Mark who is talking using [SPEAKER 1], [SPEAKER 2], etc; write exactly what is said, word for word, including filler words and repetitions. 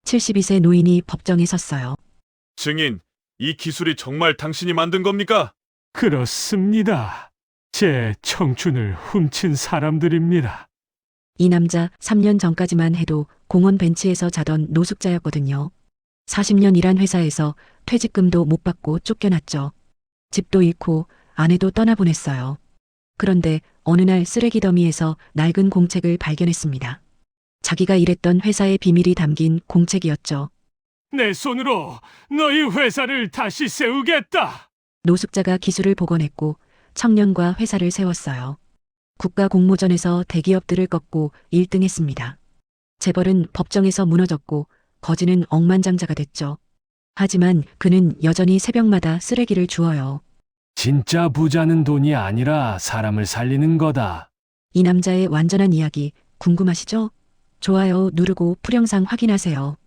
[SPEAKER 1] 칠십이 세 노인이 법정에 섰어요.
[SPEAKER 2] 증인, 이 기술이 정말 당신이 만든 겁니까?
[SPEAKER 3] 그렇습니다. 제 청춘을 훔친 사람들입니다.
[SPEAKER 1] 이 남자 삼 년 전까지만 해도 공원 벤치에서 자던 노숙자였거든요. 사십 년 일한 회사에서 퇴직금도 못 받고 쫓겨났죠. 집도 잃고 아내도 떠나보냈어요. 그런데 어느 날 쓰레기 더미에서 낡은 공책을 발견했습니다. 자기가 일했던 회사의 비밀이 담긴 공책이었죠.
[SPEAKER 3] 내 손으로 너희 회사를 다시 세우겠다.
[SPEAKER 1] 노숙자가 기술을 복원했고 청년과 회사를 세웠어요. 국가 공모전에서 대기업들을 꺾고 일 등 했습니다. 재벌은 법정에서 무너졌고 거지는 억만장자가 됐죠. 하지만 그는 여전히 새벽마다 쓰레기를 주워요.
[SPEAKER 3] 진짜 부자는 돈이 아니라 사람을 살리는 거다.
[SPEAKER 1] 이 남자의 완전한 이야기 궁금하시죠? 좋아요 누르고 풀영상 확인하세요.